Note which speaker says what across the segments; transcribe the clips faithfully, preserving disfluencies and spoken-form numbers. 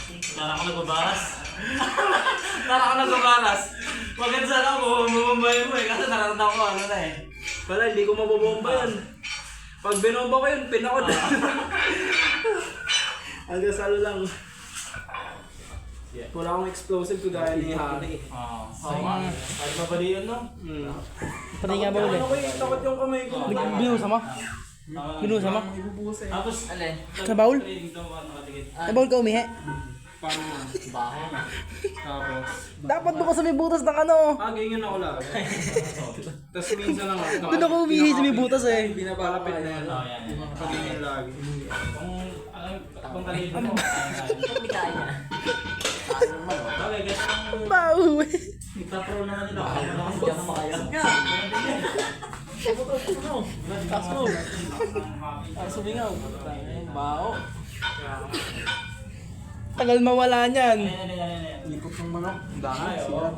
Speaker 1: Tara ako nagbabaras. Tara ako nagbabaras. Maganda sana ako, bumumbayin mo eh. Kasi naratanda ko ano na eh.
Speaker 2: Wala, hindi ko mabobomba yan. Pag binomba ko yun, pinakod. Hanggang salo lang. Wala akong explosive kagaya ni Harry.
Speaker 1: Oo. Oo nga. Kahit mabali yun, no?
Speaker 2: Hmm.
Speaker 3: Pati nga ba ulit?
Speaker 2: Ano ko yung takot yung kamay ko.
Speaker 3: Binusa mo? Binusa mo?
Speaker 2: Ibubusin.
Speaker 1: Tapos, alin?
Speaker 3: Sa baul?
Speaker 1: Dito ako nakatigit.
Speaker 3: Sa baul ka umihi?
Speaker 2: Paano nga?
Speaker 1: Baho.
Speaker 2: Tapos,
Speaker 3: Dapat doon ka sa may butas ng ano.
Speaker 2: ah, ganyan ako lang. Tapos minsan lang ako.
Speaker 3: Doon ako umihi sa may butas eh.
Speaker 2: Binabalapit na yan.
Speaker 1: Oo, yan.
Speaker 2: Patingin lagi.
Speaker 1: Kung, alam, kung talito mo. Hindi kaya niya. Okay, guys.
Speaker 3: Bau eh.
Speaker 1: Ipapro naman nila. Hindi ako makaya.
Speaker 3: Taas mo. Taas sumingaw. Bao. Tagal mawala niyan.
Speaker 1: Ayan, ayan, ayan, ayan.
Speaker 2: Likot ng manok. Ang dami.
Speaker 1: Ay, oo.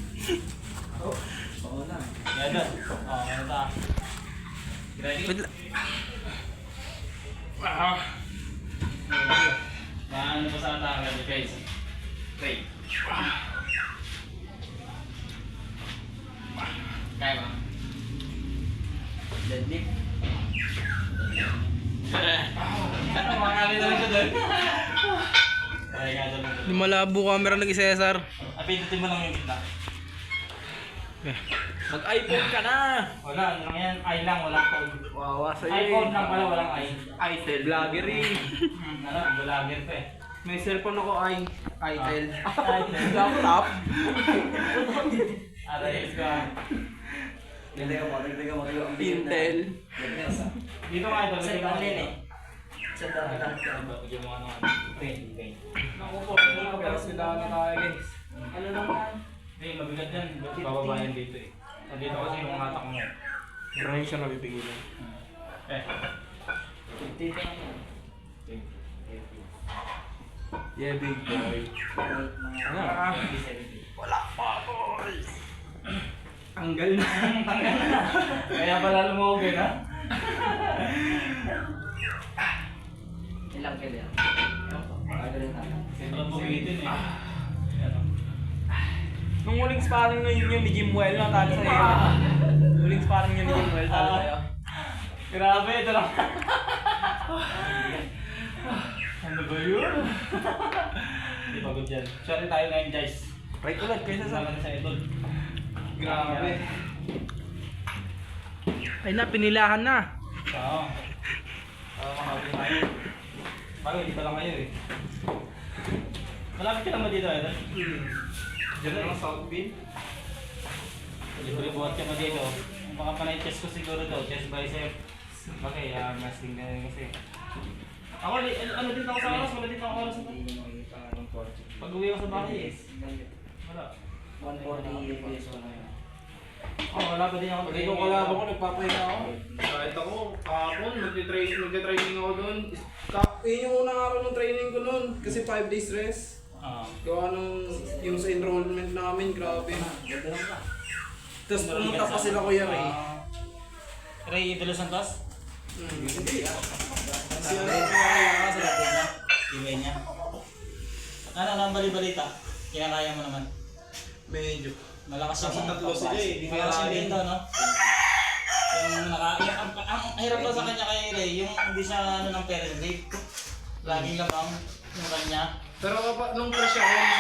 Speaker 1: Oo na. Yan doon. Oo, ano ta? Ready?
Speaker 3: Wait lang.
Speaker 1: Ah. Ano pa sa atake, guys? Okay. Kaya ba? Deadlift. Ano, makakali na rin siya doon. Okay, nga doon.
Speaker 3: Di malabo camera lagi Cesar.
Speaker 1: Apindutin mo lang yung gitna.
Speaker 2: Mag-iPhone ka na!
Speaker 1: Wala, ano lang yan? I lang, walang code.
Speaker 2: Wawa sa'yo
Speaker 1: iPhone lang pala, walang I.
Speaker 2: Itel. Vlogger eh.
Speaker 1: Hmm, ano, vlogger pa eh.
Speaker 2: May cellphone ako i. Itel.
Speaker 1: Itel.
Speaker 2: Laptop.
Speaker 1: Aray, ka.
Speaker 4: Hindi ka mo, hindi ka mo.
Speaker 2: Intel.
Speaker 1: Dito nga ito,
Speaker 4: Sa ibang lane eh. Sa dami lang.
Speaker 1: Bigyan mo ano, paint, paint.
Speaker 2: Naku po, hindi ko pero sila na tayo guys.
Speaker 4: Ano lang yan?
Speaker 1: Hindi, mabigat yan. Bababa yan dito eh. Dito kasi yung hatak mo.
Speaker 2: Maraming siya napipigilan.
Speaker 1: Eh.
Speaker 4: fifty pa yan.
Speaker 2: Yeah, big boy.
Speaker 4: Mga
Speaker 2: Ah.
Speaker 4: seventy.
Speaker 2: Wala pa boy. Tanggal na.
Speaker 1: Kaya pala lumawag eh, ha?
Speaker 4: Ilang kilo yan? Pagaling natin.
Speaker 1: Ito lang pumitin eh. Ano?
Speaker 2: Nung huling sparring na yun yung ni Jimwell na talo sa'yo. Huling sparring yun ni Jimwell talo sa'yo.
Speaker 1: Grabe, ito lang. Ano ba yun? Hindi pagod yan. Sorry tayo ngayon guys.
Speaker 2: Right ulit kaysa sa...
Speaker 1: Kasama na sa idol.
Speaker 2: Grabe.
Speaker 3: Ay na, pinilahan na.
Speaker 1: Oo. Oo, makapit tayo. Bago, hindi pa lang kayo eh. Malapit ka naman dito, idol.
Speaker 2: Hmm. Diyan lang South Bean.
Speaker 1: Libre-buhat ka mo dito. Ang mga panay chest ko siguro to, chest bicep. Okay, ah, masking na rin kasi. Ako, li- ano din ako sa oras, wala din ako oras. Pag uwi ako sa bahay eh. Wala.
Speaker 4: one forty pesos na yun.
Speaker 1: Oh, wala pa din ako.
Speaker 2: Pag ikaw kalaban ko, nagpapahinga ako. Kahit ako, kahapon, magti-training, magti-training ako doon. Ka- Yun yung unang araw ng training ko noon. Kasi five days rest.
Speaker 1: Ah.
Speaker 2: Gawa nung yung sa enrollment namin, grabe.
Speaker 4: Ganda lang ba?
Speaker 2: Tapos pumunta pa sila Kuya Ray.
Speaker 1: Ah. Ray De Los Santos?
Speaker 2: Hmm. Hindi ah.
Speaker 1: Si ano yung kinakaya sa laptop niya? Email niya? Ano ang bali-balita? Kinakaya mo naman?
Speaker 2: Medyo.
Speaker 1: Malakas
Speaker 2: Kasi
Speaker 1: yung
Speaker 2: tatlo sila eh, di
Speaker 1: Malakas yung
Speaker 2: kaya-
Speaker 1: bento, no? Yung naka... Yung, ang, ang, ang hirap lang sa kanya kay Ray, yung hindi siya ano ng Ferris grip. Laging lamang yung kanya.
Speaker 2: Pero kapag nung crush ako,